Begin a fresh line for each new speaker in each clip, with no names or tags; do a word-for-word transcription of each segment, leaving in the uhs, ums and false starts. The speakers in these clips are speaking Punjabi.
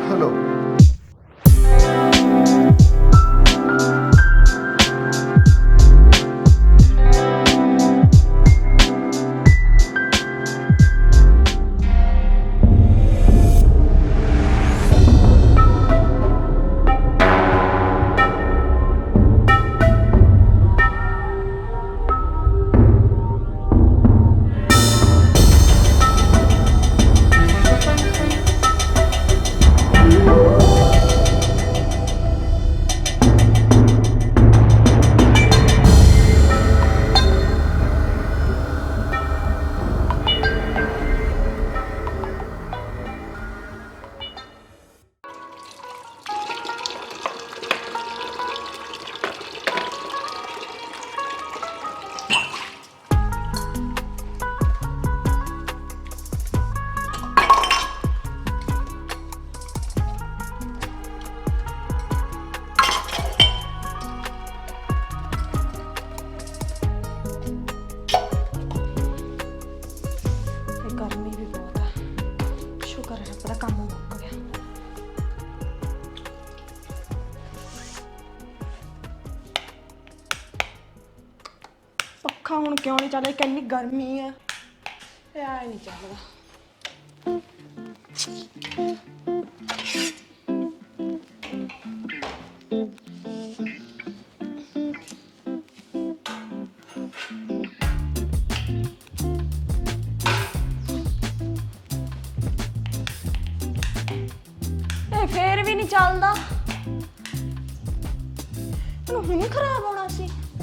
हेलो।
गर्मी भी बहुत है, शुक्र है रब दा काम मुक गया। पक्खा हुण क्यों नहीं चल रहा? कितनी गर्मी है, यार नहीं चलदा। फिर भी नहीं चलदा, हुण खराब होना सी।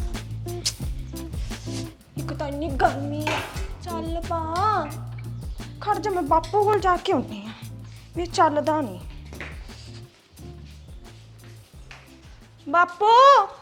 एक तो इन्नी गर्मी है, चल पा खड़ जा, मैं बापू कोल जाके आउणी आ, भी चलदा नहीं। बापू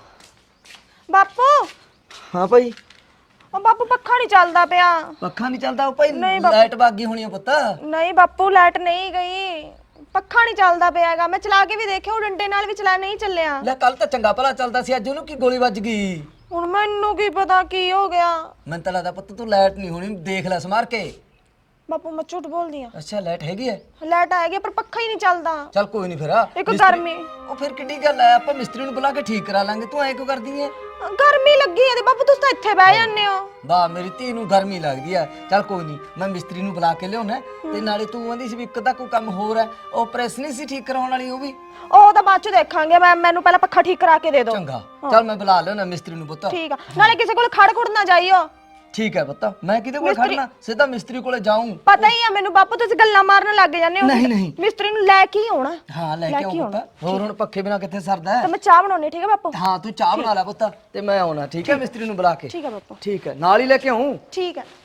बापू
हाँ भाई।
ओ बापू पक्खा नहीं चलदा पिया।
पक्खा नहीं चलदा भाई?
नहीं बापू,
लाइट भाग गई होनी है पुत्त।
नहीं बापू लाइट नहीं गई, पक्खा नहीं चलदा पियागा। मैं चला के भी देखिया, डंडे नाल भी चला, नहीं चलिया।
ले कल तो चंगा भला चलदा सी, अज ओनू की गोली ਵੱਜ गई।
ਹੁਣ ਮੈਨੂੰ ਕੀ ਪਤਾ ਕੀ ਹੋ ਗਿਆ।
मैं तो लगदा पुत्त तू लाइट नहीं होनी, देख ले समार के।
ਬਾਪੂ मैं झूठ बोलदी आ,
अच्छा लाइट हैगी है?
ਲਾਈਟ ਆਏਗੀ ਪਰ ਪੱਖਾ ਹੀ ਨਹੀਂ ਚੱਲਦਾ।
चल कोई नहीं फिर।
एक गर्मी,
ਉਹ ਫਿਰ ਕਿੱਡੀ ਗੱਲ ਹੈ, ਆਪਾਂ ਮਿਸਤਰੀ ਨੂੰ ਬੁਲਾ ਕੇ ਠੀਕ ਕਰਾ ਲਾਂਗੇ। ਤੂੰ ਐ ਕਿਉਂ ਕਰਦੀ ਐ?
गर्मी लगी है ते बापू तुस तो ਇੱਥੇ ਬਹਿ ਜਾਂਦੇ ਹੋ।
ਵਾਹ ਮੇਰੀ ਧੀ ਨੂੰ ਗਰਮੀ ਲੱਗਦੀ ਆ। ਚੱਲ ਕੋਈ ਨਹੀਂ, ਮੈਂ ਮਿਸਤਰੀ ਨੂੰ ਬੁਲਾ ਕੇ ਲਿਆਉਣਾ ਤੇ ਨਾਲੇ ਤੂੰ ਆਂਦੀ ਸੀ ਵੀ ਇੱਕ ਤਾਂ ਕੋਈ ਕੰਮ ਹੋਰ ਹੈ, ਉਹ ਪ੍ਰੈਸ ਨਹੀਂ ਸੀ ਠੀਕ ਕਰਾਉਣ ਵਾਲੀ, ਉਹ ਵੀ
ਉਹ ਤਾਂ ਬਾਅਦ ਚ ਦੇਖਾਂਗੇ। ਮੈਂ ਮੈਨੂੰ ਪਹਿਲਾਂ ਪੱਖਾ ਠੀਕ ਕਰਾ ਕੇ ਦੇ ਦਿਓ।
ਚੰਗਾ ਚੱਲ ਮੈਂ ਬੁਲਾ ਲਿਆਉਣਾ ਮਿਸਤਰੀ ਨੂੰ ਪੁੱਤ।
ਠੀਕ ਆ, ਨਾਲੇ ਕਿਸੇ ਕੋਲ ਖੜ ਖੁੜ ਨਾ ਜਾਈਓ।
ਠੀਕ ਹੈ ਪੁੱਤ, ਮੈਂ ਕਿਹਦੇ ਕੋਲ ਖੜਨਾ, ਸਿੱਧਾ ਮਿਸਤਰੀ ਕੋਲੇ ਜਾਊਂ।
ਪਤਾ ਹੀ ਆ ਮੈਨੂੰ ਬਾਪੂ, ਤੁਸੀਂ ਗੱਲਾਂ ਮਾਰਨ ਲੱਗ ਜਾਂਦੇ ਹੋ।
ਨਹੀਂ ਨਹੀਂ,
ਮਿਸਤਰੀ ਨੂੰ ਲੈ ਕੇ ਹੀ ਆਉਣਾ।
ਹਾਂ ਲੈ ਕੇ ਆਉਂ ਪੁੱਤ। ਹੋਰ ਹੁਣ ਪੱਖੇ ਬਿਨਾ ਕਿੱਥੇ ਸਰਦਾ
ਤੇ
ਹੈ?
ਮੈਂ ਚਾਹ ਬਣਾਉਣੀ, ਠੀਕ ਹੈ ਬਾਪੂ?
ਹਾਂ ਤੂੰ ਚਾਹ ਬਣਾ ਲੈ ਪੁੱਤ ਤੇ ਮੈਂ ਆਉਣਾ, ਠੀਕ ਹੈ ਮਿਸਤਰੀ ਨੂੰ ਬੁਲਾ ਕੇ।
ਠੀਕ ਹੈ ਬਾਪੂ,
ਠੀਕ ਹੈ, ਨਾਲ ਹੀ ਲੈ ਕੇ ਆਉਂ।
ਠੀਕ ਹੈ।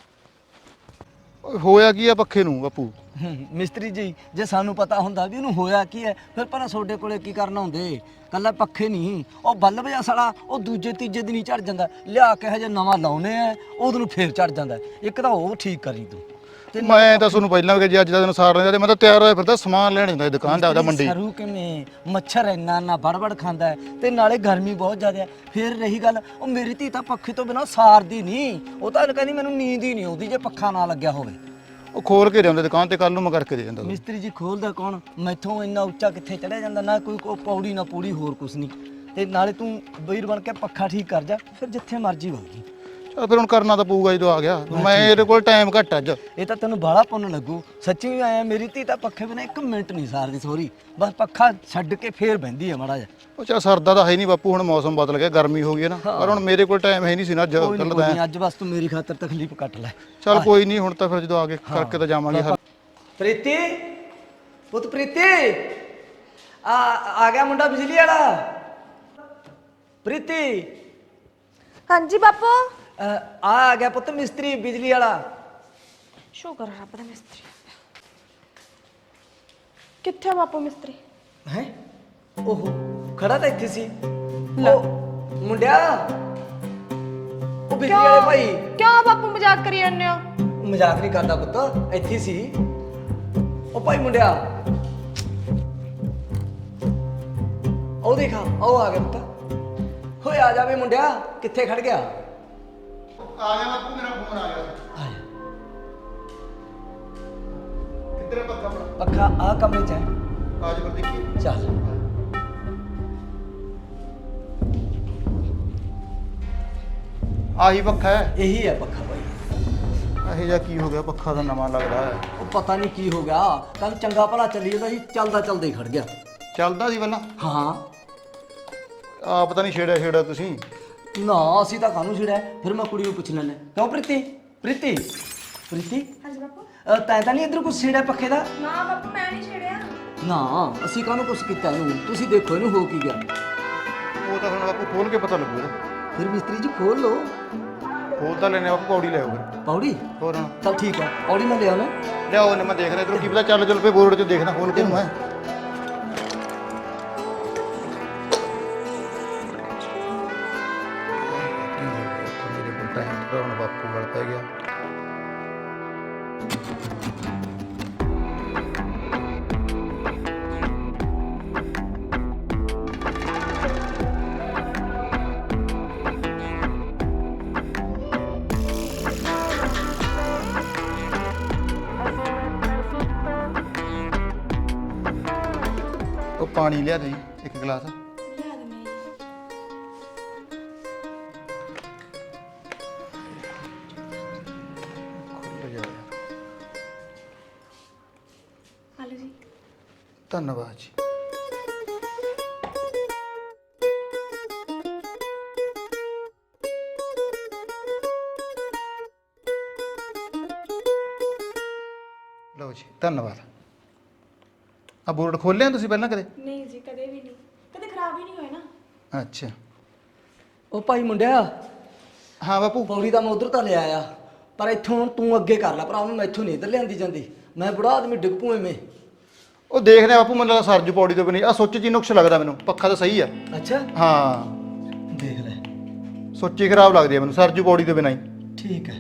ਹੋਇਆ ਕੀ ਆ ਪੱਖੇ ਨੂੰ ਬਾਪੂ?
ਮਿਸਤਰੀ ਜੀ ਜੇ ਸਾਨੂੰ ਪਤਾ ਹੁੰਦਾ ਵੀ ਇਹਨੂੰ ਹੋਇਆ ਕੀ ਹੈ, ਫਿਰ ਪਰ ਤੁਹਾਡੇ ਕੋਲੇ ਕੀ ਕਰਨਾ ਹੁੰਦੇ? ਕੱਲਾ ਪੱਖੇ ਨਹੀਂ, ਉਹ ਬੱਲਬ ਜਿਹਾ ਸਾਲਾ ਉਹ ਦੂਜੇ ਤੀਜੇ ਦਿਨ ਹੀ ਝੜ ਜਾਂਦਾ, ਲਿਆ ਕੇ ਹਜੇ ਨਵਾਂ ਲਾਉਨੇ ਆ, ਉਹਨੂੰ ਫੇਰ ਝੜ ਜਾਂਦਾ। ਇੱਕ ਤਾਂ ਉਹ ਠੀਕ ਕਰੀ ਤੂੰ। ਤੇ
ਮੈਂ ਤਾਂ ਤੁਹਾਨੂੰ ਪਹਿਲਾਂ ਵੀ ਕਿ ਜੇ ਅੱਜ ਦਾ ਦਿਨ ਸਾਰ ਲੈਂਦਾ ਤੇ ਮੈਂ ਤਾਂ ਤਿਆਰ ਹੋਇਆ ਫਿਰਦਾ, ਸਮਾਨ ਲੈਣ ਜਾਂਦਾ ਦੁਕਾਨ ਦਾ, ਉਹਦਾ ਮੰਡੀ।
ਸਰੂ ਕਿਵੇਂ ਮੱਛਰ ਇੰਨਾ ਨਾ ਬੜਬੜ ਖਾਂਦਾ ਹੈ, ਤੇ ਨਾਲੇ ਗਰਮੀ ਬਹੁਤ ਜ਼ਿਆਦਾ ਹੈ। ਫਿਰ ਰਹੀ ਗੱਲ, ਉਹ ਮੇਰੀ ਧੀ ਤਾਂ ਪੱਖੇ ਤੋਂ ਬਿਨਾਂ ਸਾਰਦੀ ਨਹੀਂ, ਉਹ ਤਾਂ ਕਹਿੰਦੀ ਮੈਨੂੰ ਨੀਂਦ ਹੀ ਨਹੀਂ ਆਉਂਦੀ ਜੇ ਪੱਖਾ ਨਾ ਲੱਗਿਆ ਹੋਵੇ।
ਉਹ ਖੋਲ ਕੇ ਲਿਆਉਂਦੇ ਦੁਕਾਨ ਤੇ, ਕੱਲ ਨੂੰ ਮੈਂ ਕਰਕੇ ਦੇ ਜਾਂਦਾ।
ਮਿਸਤਰੀ ਜੀ ਖੋਲਦਾ ਕੌਣ? ਮੈਥੋਂ ਇੰਨਾ ਉੱਚਾ ਕਿੱਥੇ ਚੜਿਆ ਜਾਂਦਾ, ਨਾ ਕੋਈ ਕੋ ਪੌੜੀ ਨਾ ਪੂੜੀ, ਹੋਰ ਕੁਛ ਨਹੀਂ। ਤੇ ਨਾਲੇ ਤੂੰ ਵੀਰ ਬਣ ਕੇ ਪੱਖਾ ਠੀਕ ਕਰ ਜਾ, ਫਿਰ ਜਿੱਥੇ ਮਰਜ਼ੀ ਹੋਗੀ।
ਚਲ ਫਿਰ ਹੁਣ ਕਰਨਾ ਤਾਂ ਪਊਗਾ ਜਦੋਂ ਆ ਗਿਆ। ਮੈਂ ਇਹਦੇ ਕੋਲ ਟਾਈਮ ਘੱਟ ਅੱਜ।
ਇਹ ਤਾਂ ਤੈਨੂੰ ਬਾਹਲਾ ਪੁੰਨ ਲੱਗੂ, ਸੱਚੀ ਆਇਆ। ਮੇਰੀ ਧੀ ਤਾਂ ਪੱਖੇ ਬਿਨਾਂ ਇੱਕ ਮਿੰਟ ਨਹੀਂ ਸਾਰਦੀ, ਸੋਰੀ ਬਸ ਪੱਖਾ ਛੱਡ ਕੇ ਫੇਰ ਬਹਿੰਦੀ ਹੈ ਮਾੜਾ ਜਿਹਾ।
ਉਹ ਚਾ ਸਰਦਾ ਤਾਂ ਹੈ ਨਹੀਂ ਬਾਪੂ, ਹੁਣ ਮੌਸਮ ਬਦਲ ਗਿਆ, ਗਰਮੀ ਹੋ ਗਈ ਹੈ ਨਾ। ਪਰ ਹੁਣ ਮੇਰੇ ਕੋਲ ਟਾਈਮ ਹੈ ਨਹੀਂ ਸੀ ਨਾ ਅੱਜ।
ਕੋਈ ਨੀ, ਕੋਈ ਨੀ, ਅੱਜ ਬਸ ਤੂੰ ਮੇਰੀ ਖਾਤਰ ਤਕਲੀਫ ਕੱਟ ਲੈ।
ਚਲ ਕੋਈ ਨਹੀਂ, ਹੁਣ ਤਾਂ ਫਿਰ ਜਦੋਂ ਆ ਕੇ ਕਰਕੇ ਤਾਂ ਜਾਵਾਂਗੇ।
ਪ੍ਰੀਤੀ ਪੁੱਤ, ਪ੍ਰੀਤੀ ਆ ਆ ਗਿਆ ਮੁੰਡਾ ਬਿਜਲੀ ਵਾਲਾ। ਪ੍ਰੀਤੀ
ਹਾਂਜੀ ਬਾਪੂ।
ਆ ਆ ਗਿਆ ਪੁੱਤ ਮਿਸਤਰੀ ਬਿਜਲੀ ਵਾਲਾ।
ਸ਼ੁਕਰ ਹੈ ਰੱਬ ਦਾ, ਮਿਸਤਰੀ ਕਿੱਥੇ ਆ ਬਾਪੂ ਮਿਸਤਰੀ?
ਹੈ ਓਹੋ ਖੜਾ ਤਾਂ ਇੱਥੇ ਸੀ। ਉਹ ਮੁੰਡਿਆ, ਉਹ ਬਿਜਲੀ ਵਾਲੇ ਭਾਈ।
ਕਿਉਂ ਬਾਪੂ ਮਜ਼ਾਕ ਕਰੀ ਜਾਂਦੇ ਹੋ?
ਮਜ਼ਾਕ ਨਹੀਂ ਕਰਦਾ ਪੁੱਤ, ਇੱਥੇ ਹੀ ਸੀ ਉਹ ਭਾਈ ਮੁੰਡਿਆ। ਉਹ ਦੇਖਾ, ਉਹ ਆ ਗਿਆ ਪੁੱਤ। ਹੋਏ ਆ ਜਾਵੇ ਮੁੰਡਿਆ, ਕਿੱਥੇ ਖੜ ਗਿਆ?
ਆ ਗਿਆ ਬਾਪੂ, ਮੇਰਾ ਫੋਨ ਆ ਗਿਆ।
ਆ ਜਾ।
ਕਿੱਧਰ ਪੱਖਾ?
ਪੱਖਾ ਆ ਕਮਰੇ 'ਚ ਹੈ।
ਆਜ ਕਰ ਦੇਖੀ।
ਚੱਲ
ਆਹੀ ਪੱਖਾ ਹੈ।
ਇਹੀ ਹੈ ਪੱਖਾ ਬਾਈ।
ਇਹ ਜਿਹਾ ਕੀ ਹੋ ਗਿਆ, ਪੱਖਾ ਤਾਂ ਨਵਾਂ ਲੱਗਦਾ ਹੈ।
ਉਹ ਪਤਾ ਨਹੀਂ ਕੀ ਹੋ ਗਿਆ, ਕੱਲ ਚੰਗਾ ਭਲਾ ਚੱਲੀ ਜਾਂਦਾ ਸੀ, ਚੱਲਦਾ ਚੱਲਦਾ ਹੀ ਖੜ ਗਿਆ।
ਚੱਲਦਾ ਸੀ ਪਹਿਲਾਂ?
ਹਾਂ।
ਆ ਪਤਾ ਨਹੀਂ ਛੇੜਿਆ ਛੇੜਿਆ ਤੁਸੀਂ।
ਨਾ ਅਸੀਂ ਤਾਂ ਕਾਹਨੂੰ ਛਿੜਿਆ, ਫਿਰ ਮੈਂ ਕੁੜੀ ਨੂੰ ਪੁੱਛ ਲੈਣਾ। ਕਿਉਂ ਪ੍ਰੀਤੀ? ਪ੍ਰੀਤੀ ਪ੍ਰੀਤੀ
ਹਾਂਜੀ ਬਾਪੂ।
ਅ, ਤੈਂ ਤਾਂ ਨਹੀਂ ਇੱਧਰ ਕੁਛ ਛੇੜਿਆ ਪੱਖੇ ਦਾ?
ਨਾ ਬਾਪੂ ਮੈਂ ਨਹੀਂ ਛੇੜਿਆ।
ਨਾ ਅਸੀਂ ਕਾਹਨੂੰ ਕੁਛ ਕੀਤਾ ਇਹਨੂੰ, ਤੁਸੀਂ ਦੇਖੋ ਇਹਨੂੰ ਹੋ ਕੀ ਗਿਆ।
ਉਹ ਤਾਂ ਹੁਣ ਬਾਪੂ ਖੋਲ ਕੇ ਪਤਾ ਲੱਗੂ ਇਹਦਾ।
ਫਿਰ ਮਿਸਤਰੀ ਜੀ ਖੋਲ ਲਓ।
ਖੋਲ ਤਾਂ ਲੈਣੇ ਬਾਪੂ, ਪੌੜੀ ਲੈ ਆਓ ਫਿਰ।
ਪੌੜੀ?
ਹੋਰ ਹੁਣ
ਚੱਲ ਠੀਕ ਹੈ, ਪੌੜੀ ਮੈਂ ਲਿਆਉਣਾ।
ਲਿਆਓ ਨੇ, ਮੈਂ ਦੇਖ ਰਿਹਾ ਇਧਰੋਂ ਕੀ ਪਤਾ ਚੱਲ ਚੱਲ ਪਏ ਬੋਰਡ 'ਚ ਦੇਖਣਾ ਖੋਲ ਕੇ ਨੂੰ ਮੈਂ। ਮੇਰੇ ਕੋਲ ਟਾਈਮ ਤਾਂ ਹੁਣ ਬਾਪੂ ਵੱਲ ਪੈ ਗਿਆ। ਉਹ ਪਾਣੀ ਲਿਆ ਦੇ ਇੱਕ ਗਲਾਸ।
ਲਿਆ ਦੇ ਮੈਂ।
ਖੁੱਲ ਜਾ ਯਾਰ।
ਆਲੂ ਜੀ।
ਧੰਨਵਾਦ ਜੀ। ਲਓ ਜੀ, ਧੰਨਵਾਦ। ਆ ਬੋਰਡ ਖੋਲਿਆ ਤੁਸੀਂ ਪਹਿਲਾਂ ਕਦੇ?
ਨਹੀਂ ਜੀ, ਕਦੇ ਵੀ ਨਹੀਂ, ਕਦੇ ਖਰਾਬ ਹੀ ਨਹੀਂ ਹੋਏ ਨਾ।
ਅੱਛਾ।
ਉਹ ਭਾਈ ਮੁੰਡਿਆ,
ਹਾਂ ਬਾਪੂ।
ਪੌੜੀ ਤਾਂ ਮੈਂ ਉਧਰ ਤਾਂ ਲਿਆ ਆ, ਪਰ ਇੱਥੋਂ ਤੂੰ ਅੱਗੇ ਕਰ ਲੈ ਭਰਾ, ਮੈਂ ਇੱਥੋਂ ਨਹੀਂ ਇੱਧਰ ਲਿਆਂਦੀ ਜਾਂਦੀ। ਮੈਂ ਬੁੜਾ ਆਦਮੀ ਡਿੱਗ ਪੂ ਐਵੇਂ।
ਉਹ ਦੇਖਦੇ ਆ ਬਾਪੂ, ਮੈਨੂੰ ਲੱਗਦਾ ਸਰਜੂ ਪੌੜੀ ਤੋਂ ਵੀ ਨਹੀਂ। ਆ ਸੁੱਚ ਜੀ ਨੁਕਸ ਲੱਗਦਾ ਮੈਨੂੰ, ਪੱਖਾ ਤਾਂ ਸਹੀ ਆ।
ਅੱਛਾ
ਹਾਂ
ਦੇਖ ਲੈ।
ਸੁੱਚ ਹੀ ਖਰਾਬ ਲੱਗਦੀ ਆ ਮੈਨੂੰ, ਸਰਜੂ ਪੌੜੀ ਤੋਂ ਬਿਨਾਂ ਹੀ।
ਠੀਕ ਹੈ।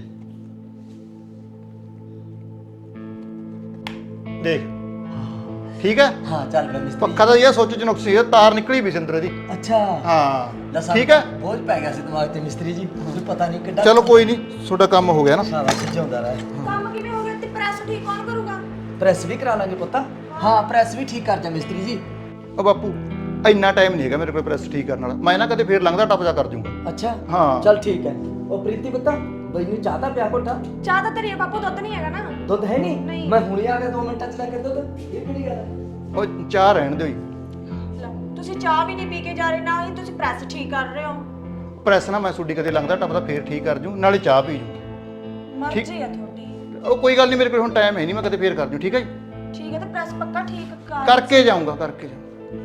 ਦੇਖ ਠੀਕ ਹੈ।
ਹਾਂ ਚੱਲ ਮੈਂ ਮਿਸਤਰੀ।
ਪੱਖਾ ਤਾਂ ਇਹ ਸੁੱਚ ਚ ਨੁਕਸ ਸੀ, ਤਾਰ ਨਿਕਲੀ ਵੀ ਸਿੰਦਰ ਦੀ।
ਅੱਛਾ
ਹਾਂ
ਲੈ
ਠੀਕ ਹੈ।
ਬੋਝ ਪੈ ਗਿਆ ਸੀ ਦਿਮਾਗ ਤੇ ਮਿਸਤਰੀ ਜੀ, ਮੈਨੂੰ ਪਤਾ ਨਹੀਂ ਕਿੱਡਾ।
ਚਲੋ ਕੋਈ ਨਹੀਂ, ਤੁਹਾਡਾ ਕੰਮ ਹੋ ਗਿਆ ਨਾ।
ਸ਼ਾਬਾਸ਼, ਜਿਉਂਦਾ ਰਹਿ।
ਕੰਮ ਕਿਵੇਂ ਹੋ ਗਿਆ ਤੇ ਪ੍ਰੈਸ ਠੀਕ ਕੌਣ ਕਰੂਗਾ?
ਪ੍ਰੈਸ ਵੀ ਕਰਾ ਲਾਂਗੇ ਪੁੱਤਾ। ਹਾਂ ਪ੍ਰੈਸ ਵੀ ਠੀਕ ਕਰ ਜਾ ਮਿਸਤਰੀ ਜੀ।
ਉਹ ਬਾਪੂ ਇੰਨਾ ਟਾਈਮ ਨਹੀਂ ਹੈਗਾ ਮੇਰੇ ਕੋਲ ਪ੍ਰੈਸ ਠੀਕ ਕਰਨ ਵਾਲਾ, ਮੈਂ ਨਾ ਕਦੇ ਫੇਰ ਲੰਘਦਾ ਟੱਪ ਜਾ ਕਰ ਜੂੰਗਾ।
ਅੱਛਾ
ਹਾਂ
ਚੱਲ ਠੀਕ ਹੈ। ਉਹ ਪ੍ਰੀਤੀ ਪੁੱਤਾ, ਬਈ ਨੂੰ ਚਾਹ ਤਾਂ ਪਿਆ ਘੋਟਾ।
ਚਾਹ ਤਾਂ ਤੇਰੀ ਆ ਬਾਪੂ, ਦੁੱਧ ਨਹੀਂ ਹੈਗਾ ਨਾ।
ਦੁੱਧ ਹੈ ਨਹੀਂ?
ਨਹੀਂ।
ਮੈਂ ਹੁਣੇ ਆ ਗਿਆ ਦੋ ਮਿੰਟਾਂ ਚ ਲੈ ਕੇ ਦੁੱਧ। ਇਹ ਕਿਹੜੀ ਗੱਲ ਹੈ?
ਉਹ ਚਾਹ ਰਹਿਣ ਦਿਓ ਜੀ।
ਲੈ, ਤੁਸੀਂ ਚਾਹ ਵੀ ਨਹੀਂ ਪੀ ਕੇ ਜਾ ਰਹੇ, ਨਾ ਹੀ ਤੁਸੀਂ ਪ੍ਰੈਸ ਠੀਕ ਕਰ ਰਹੇ ਹੋ।
ਪ੍ਰੈਸ ਨਾ ਮੈਂ ਤੁਹਾਡੀ ਕਦੇ ਲੰਘਦਾ ਟੱਪਦਾ ਫੇਰ ਠੀਕ ਕਰ ਜੂ, ਨਾਲੇ ਚਾਹ ਪੀ ਜੂ।
ਮਰਜ਼ੀ ਆ ਤੁਹਾਡੀ।
ਉਹ ਕੋਈ ਗੱਲ ਨਹੀਂ, ਮੇਰੇ ਕੋਲ ਹੁਣ ਟਾਈਮ ਹੈ ਨਹੀਂ, ਮੈਂ ਕਦੇ ਫੇਰ ਕਰ ਜੂ। ਠੀਕ ਹੈ ਜੀ।
ਠੀਕ ਹੈ, ਤੇ ਪ੍ਰੈਸ ਪੱਕਾ ਠੀਕ ਕਰ।
ਕਰਕੇ ਜਾਊਂਗਾ, ਕਰਕੇ ਜਾਊਂਗਾ।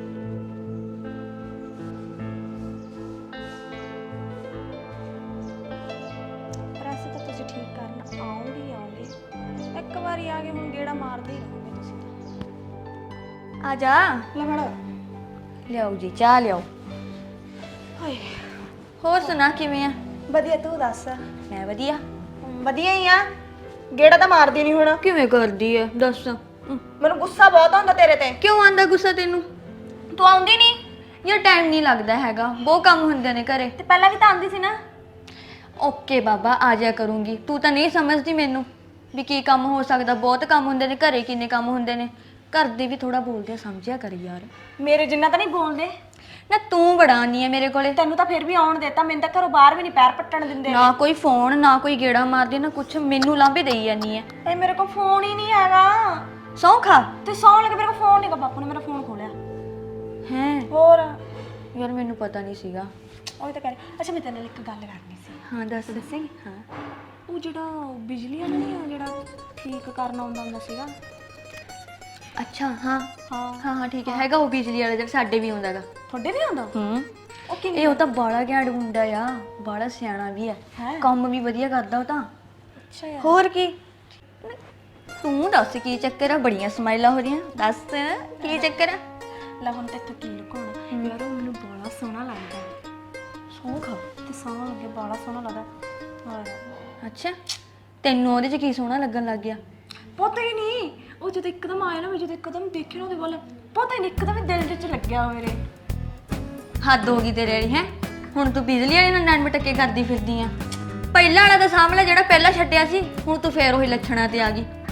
ਪ੍ਰੈਸ ਤਾਂ ਤੁਸੀਂ ਠੀਕ ਕਰਨ ਆਉਂਗੇ ਹੀ ਆਉਂਗੇ। ਇੱਕ ਵਾਰੀ ਆ ਗਏ, ਹੁਣ ਗੇੜਾ ਮਾਰਦੇ ਹੀ ਰਹੋਗੇ ਤੁਸੀਂ ਤਾਂ।
ਆ ਜਾ।
ਲੈ ਫੜੋ।
ਲਿਆਓ ਜੀ, ਚਾਹ ਲਿਆਓ।
ਹਾਏ
ਹੋਰ ਸੁਣਾ ਕਿਵੇਂ ਆ?
ਵਧੀਆ, ਤੂੰ ਦੱਸ।
ਮੈਂ ਵਧੀਆ।
ਵਧੀਆ ਹੀ ਆ, ਗੇੜਾ ਤਾਂ ਮਾਰਦੀ ਨਹੀਂ ਹੁਣ।
ਕਿਵੇਂ ਕਰਦੀ ਐ ਦੱਸ?
ਮੈਨੂੰ ਗੁੱਸਾ ਬਹੁਤ ਆਉਂਦਾ ਤੇਰੇ ਤੇ।
ਕਿਉਂ ਆਂਦਾ ਗੁੱਸਾ ਤੈਨੂੰ?
ਤੂੰ ਆਉਂਦੀ ਨਹੀਂ।
ਯਾਰ ਟਾਈਮ ਨਹੀਂ ਲੱਗਦਾ ਹੈਗਾ, ਬਹੁਤ ਕੰਮ ਹੁੰਦੇ ਨੇ ਘਰੇ।
ਤੇ ਪਹਿਲਾਂ ਵੀ ਤਾਂ ਆਉਂਦੀ ਸੀ ਨਾ।
ਓਕੇ ਬਾਬਾ, ਆ ਜਾ ਕਰੂੰਗੀ। ਤੂੰ ਤਾਂ ਨਹੀਂ ਸਮਝਦੀ ਮੈਨੂੰ ਵੀ ਕੀ ਕੰਮ ਹੋ ਸਕਦਾ। ਬਹੁਤ ਕੰਮ ਹੁੰਦੇ ਨੇ ਘਰੇ, ਕਿੰਨੇ ਕੰਮ ਹੁੰਦੇ ਨੇ। ਘਰ ਦੇ ਵੀ ਥੋੜਾ ਬੋਲਦੇ ਆ, ਸਮਝਿਆ ਕਰ ਯਾਰ।
ਮੇਰੇ ਜਿੰਨਾ ਤਾਂ ਨਹੀਂ ਬੋਲਦੇ
ਨਾ, ਤੂੰ ਬੜਾ ਆਨੀ ਐ ਮੇਰੇ ਕੋਲੇ।
ਤੈਨੂੰ ਤਾਂ ਫਿਰ ਵੀ ਆਉਣ ਦੇਤਾ, ਮੈਨੂੰ ਤਾਂ ਘਰੋਂ ਬਾਹਰ ਵੀ ਨਹੀਂ ਪੈਰ ਪੱਟਣ ਦਿੰਦੇ।
ਨਾ ਕੋਈ ਫੋਨ, ਨਾ ਕੋਈ ਗੇੜਾ ਮਾਰਦੀ, ਨਾ ਕੁਛ। ਮੈਨੂੰ ਲਾਂਭੇ ਦੇਈ ਜਾਨੀ ਐ।
ਇਹ ਮੇਰੇ ਕੋਲ ਫੋਨ ਹੀ ਨਹੀਂ ਹੈਗਾ।
ਸੌਂ ਖਾ।
ਤੇ ਸੌਣ ਲੱਗੇ, ਮੇਰੇ ਕੋਲ ਫੋਨ ਨਹੀਂਗਾ। ਬਾਪੂ ਨੇ ਮੇਰਾ ਫੋਨ ਖੋਲਿਆ।
ਹੈ
ਹੋਰ
ਯਾਰ, ਮੈਨੂੰ ਪਤਾ ਨਹੀਂ ਸੀਗਾ।
ਉਹ ਤਾਂ ਕਰੇ। ਅੱਛਾ, ਮੈਂ ਤੇਰੇ ਨਾਲ ਇੱਕ ਗੱਲ ਕਰਨੀ ਸੀ।
ਹਾਂ ਦੱਸ। ਦੱਸੇਗੀ? ਹਾਂ।
ਉਹ ਜਿਹੜਾ ਬਿਜਲੀ ਵਾਲਾ ਨਹੀਂ ਆ, ਜਿਹੜਾ ਠੀਕ ਕਰਨ ਆਉਂਦਾ ਹੁੰਦਾ ਸੀਗਾ।
ਅੱਛਾ ਹਾਂ
ਹਾਂ
ਹਾਂ ਹਾਂ ਠੀਕ ਹੈ। ਹੈਗਾ ਉਹ ਬਿਜਲੀ ਵਾਲਾ ਜਿਹੜਾ ਸਾਡੇ ਵੀ ਆਉਂਦਾ ਗਾ।
ਤੁਹਾਡੇ ਵੀ ਆਉਂਦਾ?
ਹੂੰ।
ਉਹ ਕਿਵੇਂ?
ਇਹ ਉਹ ਤਾਂ ਬਾਲਾ ਘੈਂਟ ਮੁੰਡਾ ਆ, ਬਾਲਾ ਸਿਆਣਾ ਵੀ ਆ,
ਹੈ?
ਕੰਮ ਵੀ ਵਧੀਆ ਕਰਦਾ ਉਹ ਤਾਂ।
ਅੱਛਾ ਯਾਰ।
ਹੋਰ ਕੀ? ਤੂੰ ਦੱਸ ਕੀ ਚੱਕਰ ਆ? ਬੜੀਆਂ ਸਮਾਈਲਾਂ ਹੋ ਰਹੀਆਂ, ਦੱਸ ਕੀ ਚੱਕਰ ਆ?
ਲੈ ਹੁਣ ਤੇ ਇੱਥੋਂ ਕੀ ਲੁਕਾਉਣਾ ਯਾਰ, ਉਹ ਮੈਨੂੰ ਬੜਾ ਸੋਹਣਾ ਲੱਗਦਾ।
ਸੌਂ ਖਾ।
ਤੇ ਸੋਹਣਾ ਲੱਗੇ, ਬੜਾ ਸੋਹਣਾ ਲੱਗਦਾ। ਹਾਂ
ਅੱਛਾ, ਤੈਨੂੰ ਉਹਦੇ 'ਚ ਕੀ ਸੋਹਣਾ ਲੱਗਣ ਲੱਗ ਗਿਆ?
ਪਤਾ ਹੀ ਨਹੀਂ, ਉਹ ਜਦੋਂ ਇੱਕਦਮ ਆਇਆ ਨਾ, ਮੈਂ ਜਦੋਂ ਇੱਕਦਮ ਦੇਖਿਆ ਨਾ ਉਹਦੇ ਵੱਲ, ਪਤਾ ਹੀ ਨਹੀਂ, ਇੱਕਦਮ ਹੀ ਦਿਲ ਵਿੱਚ ਲੱਗਿਆ ਮੇਰੇ।
ਹੱਦ ਹੋ ਗਈ ਤੇਰੇ ਵਾਲੀ। ਹੈ ਹੁਣ ਤੂੰ ਬਿਜਲੀ ਵਾਲੀ ਨਾਲ ਨੈਣ ਟੱਕੇ ਕਰਦੀ ਫਿਰਦੀ ਆ। ਪਹਿਲਾਂ ਵਾਲਾ ਤਾਂ ਸਾਹਮਣੇ ਜਿਹੜਾ ਪਹਿਲਾਂ ਛੱਡਿਆ ਸੀ, ਹੁਣ ਤੂੰ ਫੇਰ ਉਹੀ ਲੱਛਣਾਂ ਤੇ ਆ ਗਈ।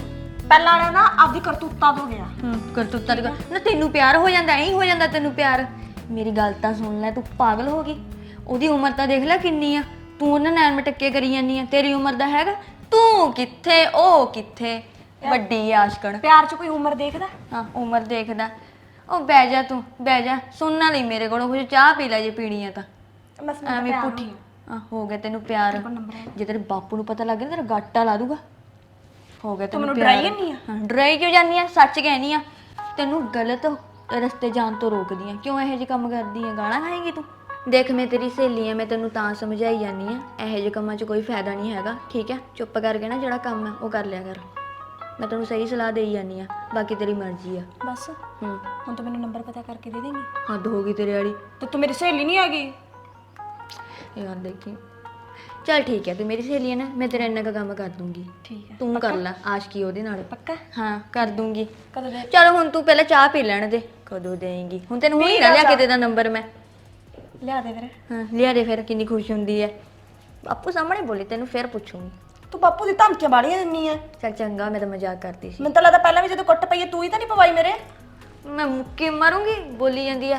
ਪਹਿਲਾਂ ਵਾਲਾ ਨਾ ਆਪਦੀ ਕਰਤੂਤਾਂ ਤੋਂ ਗਿਆ।
ਹੂੰ ਕਰਤੂਤਾਂ ਦੀ ਗੱਲ ਨਾ, ਤੈਨੂੰ ਪਿਆਰ ਹੋ ਜਾਂਦਾ, ਐਂ ਹੀ ਹੋ ਜਾਂਦਾ ਤੈਨੂੰ ਪਿਆਰ। ਮੇਰੀ ਗੱਲ ਤਾਂ ਸੁਣ ਲੈ, ਤੂੰ ਪਾਗਲ ਹੋ ਗਈ? ਉਹਦੀ ਉਮਰ ਤਾਂ ਦੇਖ ਲੈ ਕਿੰਨੀ ਆ, ਤੂੰ ਉਹਨਾਂ ਨੈਣ ਮਟੱਕੇ ਕਰੀ ਜਾਂਦੀ ਆ। ਤੇਰੀ ਉਮਰ ਦਾ ਹੈਗਾ, ਤੂੰ ਕਿੱਥੇ ਉਹ ਕਿੱਥੇ, ਵੱਡੀ ਆਸ਼ਕਣ।
ਪਿਆਰ 'ਚ ਕੋਈ ਉਮਰ ਦੇਖਦਾ?
ਹਾਂ ਉਮਰ ਦੇਖਦਾ। ਉਹ ਬਹਿ ਜਾ ਤੂੰ, ਬਹਿ ਜਾ, ਸੁਣਨਾ ਲਈ ਮੇਰੇ ਕੋਲੋਂ ਕੁਝ, ਚਾਹ ਪੀ ਲੈ ਜੇ ਪੀਣੀ ਆ ਤਾਂ।
ਬਸ
ਐਵੇਂ ਪੁੱਠੀ ਆ, ਹੋ ਗਿਆ ਤੈਨੂੰ ਪਿਆਰ। ਜੇ ਤੇਰੇ ਬਾਪੂ ਨੂੰ ਪਤਾ ਲੱਗ ਗਿਆ ਤੇਰਾ ਗਾਟਾ ਲਾ ਦੂਗਾ। ਹੋ ਗਿਆ ਤੈਨੂੰ ਪਿਆਰ।
ਡਰਾਈ ਨਹੀਂ ਆ?
ਹਾਂ ਡਰਾਈ ਕਿਉਂ ਜਾਂਦੀ ਆ, ਸੱਚ ਕਹਿਨੀ ਆ। ਤੈਨੂੰ ਗਲਤ ਰਸਤੇ ਜਾਣ ਤੋਂ ਰੋਕਦੀ ਆ। ਕਿਉਂ ਇਹੋ ਜਿਹੇ ਕੰਮ ਕਰਦੀ ਆ? ਗਾਲਾਂ ਖਾਏਂਗੀ ਤੂੰ? ਦੇਖ ਮੈਂ ਤੇਰੀ ਸਹੇਲੀ ਆ, ਮੈਂ ਤੈਨੂੰ ਤਾਂ ਸਮਝਾਈ ਜਾਂਦੀ ਆ, ਇਹੋ ਜਿਹੇ ਕੰਮਾਂ 'ਚ ਕੋਈ ਫਾਇਦਾ ਨਹੀਂ ਹੈਗਾ, ਠੀਕ ਹੈ? ਚੁੱਪ ਕਰਕੇ ਨਾ ਜਿਹੜਾ ਕੰਮ ਹੈ ਉਹ ਕਰ ਲਿਆ ਕਰ। ਮੈਂ ਤੈਨੂੰ ਸਹੀ ਸਲਾਹ ਦੇਈ ਜਾਂਦੀ ਆ, ਬਾਕੀ ਤੇਰੀ ਮਰਜ਼ੀ ਆ।
ਬਸ
ਹੂੰ
ਹੁਣ ਤੂੰ ਮੈਨੂੰ ਨੰਬਰ ਪਤਾ ਕਰਕੇ ਦੇ ਦੇਂਗੀ?
ਹੱਦ ਹੋ ਗਈ ਤੇਰੇ ਵਾਲੀ।
ਤੇ ਤੂੰ ਮੇਰੀ ਸਹੇਲੀ ਨਹੀਂ ਹੈਗੀ?
ਯਾਰ ਦੇਖੀ, ਚੱਲ ਠੀਕ ਹੈ, ਤੂੰ ਮੇਰੀ ਸਹੇਲੀ ਹੈ ਨਾ, ਮੈਂ ਤੇਰਾ ਇੰਨਾ ਕੁ ਕੰਮ ਕਰ ਦੂੰਗੀ।
ਠੀਕ ਹੈ,
ਤੂੰ ਕਰ ਲੈ ਆਸ਼ਕੀ ਉਹਦੇ ਨਾਲ।
ਪੱਕਾ?
ਹਾਂ ਕਰ ਦੂੰਗੀ।
ਕਦੋਂ ਦੇ?
ਚਲ ਹੁਣ ਤੂੰ ਪਹਿਲਾਂ ਚਾਹ ਪੀ ਲੈਣ ਦੇ। ਕਦੋਂ ਦੇਂਗੀ? ਹੁਣ ਤੈਨੂੰ ਹੁਣੀ ਨਾ ਲਿਆ ਕੇ ਦੇ ਦਾ ਨੰਬਰ ਮੈਂ।
ਲਿਆ ਦੇ ਫਿਰ।
ਹਾਂ ਲਿਆ ਦੇ ਫਿਰ, ਕਿੰਨੀ ਖੁਸ਼ ਹੁੰਦੀ ਹੈ। ਬਾਪੂ ਸਾਹਮਣੇ ਬੋਲੀ, ਤੈਨੂੰ ਫਿਰ ਪੁੱਛੂੰਗੀ।
ਤੂੰ ਬਾਪੂ ਦੀ ਧਮਕੀਆਂ ਬਾੜੀਆਂ ਦਿੰਨੀ ਆ।
ਚੱਲ ਚੰਗਾ, ਮੈਂ ਤਾਂ ਮਜ਼ਾਕ ਕਰਦੀ ਸੀ।
ਮੈਨੂੰ ਤਾਂ ਲੱਗਦਾ ਪਹਿਲਾਂ ਵੀ ਜਦੋਂ ਕੁੱਟ ਪਈ ਤੂੰ ਹੀ ਤਾਂ ਨਹੀਂ ਪਵਾਈ ਮੇਰੇ।
ਮੈਂ ਮੁੱਕੇ ਮਾਰੂੰਗੀ, ਬੋਲੀ ਜਾਂਦੀ ਆ।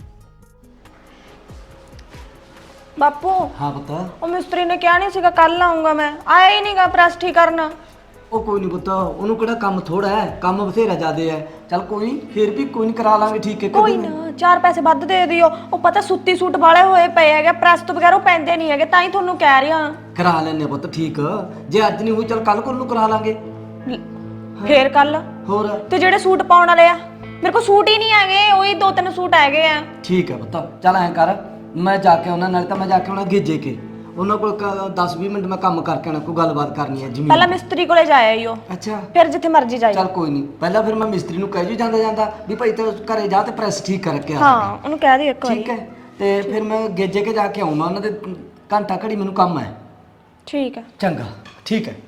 ਬਾਪੂ
ਹਾਂ ਪੁੱਤ।
ਉਹ ਮਿਸਤਰੀ ਨੇ ਕਿਹਾ ਨਹੀਂ ਸੀਗਾ ਕੱਲ ਆਉਂਗਾ, ਮੈਂ ਆਇਆ ਹੀ ਨਹੀਂਗਾ ਪ੍ਰੈਸ ਠੀਕ ਕਰਨ।
ਉਹ ਕੋਈ ਨਹੀਂ ਪੁੱਤ, ਉਹਨੂੰ ਕਿਹੜਾ ਕੰਮ ਥੋੜਾ ਹੈ, ਕੰਮ ਬਥੇਰਾ ਜ਼ਿਆਦੇ ਹੈ। ਚੱਲ ਕੋਈ ਨੀ, ਫਿਰ ਵੀ ਕੋਈ ਨਹੀਂ ਕਰਾ ਲਾਂਗੇ, ਠੀਕ ਹੈ?
ਕੋਈ ਨਾ ਚਾਰ ਪੈਸੇ ਵੱਧ ਦੇ ਦਿਓ। ਉਹ ਪਤਾ ਸੁੱਤੀ ਸੂਟ ਵਾਲੇ ਹੋਏ ਪਏ ਹੈਗੇ, ਪ੍ਰੈਸ ਤੋਂ ਬਗੈਰ ਉਹ ਪੈਂਦੇ ਨਹੀਂ ਹੈਗੇ, ਤਾਂ ਹੀ ਤੁਹਾਨੂੰ ਕਹਿ ਰਹੀ ਹਾਂ।
ਕਰਾ ਲੈਣੇ ਪੁੱਤ, ਠੀਕ। ਜੇ ਅੱਜ ਨਹੀਂ ਹੋਈ ਚੱਲ ਕੱਲ ਕੋਲ ਨੂੰ ਕਰਾ ਲਾਂਗੇ।
ਫੇਰ ਕੱਲ?
ਹੋਰ
ਤੇ ਜਿਹੜੇ ਸੂਟ ਪਾਉਣ ਵਾਲੇ ਆ, ਮੇਰੇ ਕੋਲ ਸੂਟ ਹੀ ਨਹੀਂ ਹੈਗੇ, ਉਹੀ ਦੋ ਤਿੰਨ ਸੂਟ ਹੈਗੇ ਆ।
ਠੀਕ ਹੈ ਪੁੱਤ, ਚੱਲ ਐਂ ਕਰ, ਮੈਂ ਜਾ ਕੇ ਉਹਨਾਂ ਨਾਲ ਤਾਂ ਮੈਂ ਜਾ ਕੇ ਉਹਨਾਂ ਗੇਜੇ ਕੇ ਉਹਨਾਂ ਕੋਲ ਦਸ ਵੀਹ ਮਿੰਟ ਮੈਂ ਕੰਮ ਕਰਕੇ ਆਣਾ, ਕੋਈ ਗੱਲਬਾਤ ਕਰਨੀ ਹੈ ਜ਼ਮੀਨ।
ਪਹਿਲਾਂ ਮਿਸਤਰੀ ਕੋਲੇ ਜਾਇਆ ਈ ਉਹ,
ਅੱਛਾ
ਫਿਰ ਜਿੱਥੇ ਮਰਜ਼ੀ ਜਾਈ।
ਚੱਲ ਕੋਈ ਨਹੀਂ, ਪਹਿਲਾਂ ਫਿਰ ਮੈਂ ਮਿਸਤਰੀ ਨੂੰ ਕਹਿ ਜੂ ਜਾਂਦਾ ਜਾਂਦਾ ਵੀ ਭਾਈ ਤੇ ਘਰੇ ਜਾ ਤੇ ਪ੍ਰੈਸ ਠੀਕ ਕਰਕੇ ਆ।
ਹਾਂ ਉਹਨੂੰ ਕਹਿ ਦੇ ਇੱਕ ਵਾਰੀ।
ਠੀਕ ਹੈ, ਤੇ ਫਿਰ ਮੈਂ ਗੇਜੇ ਕੇ ਜਾ ਕੇ ਆਉਂਗਾ ਉਹਨਾਂ ਦੇ, ਘੰਟਾ ਘੜੀ ਮੈਨੂੰ ਕੰਮ ਹੈ।
ਠੀਕ ਹੈ
ਚੰਗਾ, ਠੀਕ ਹੈ।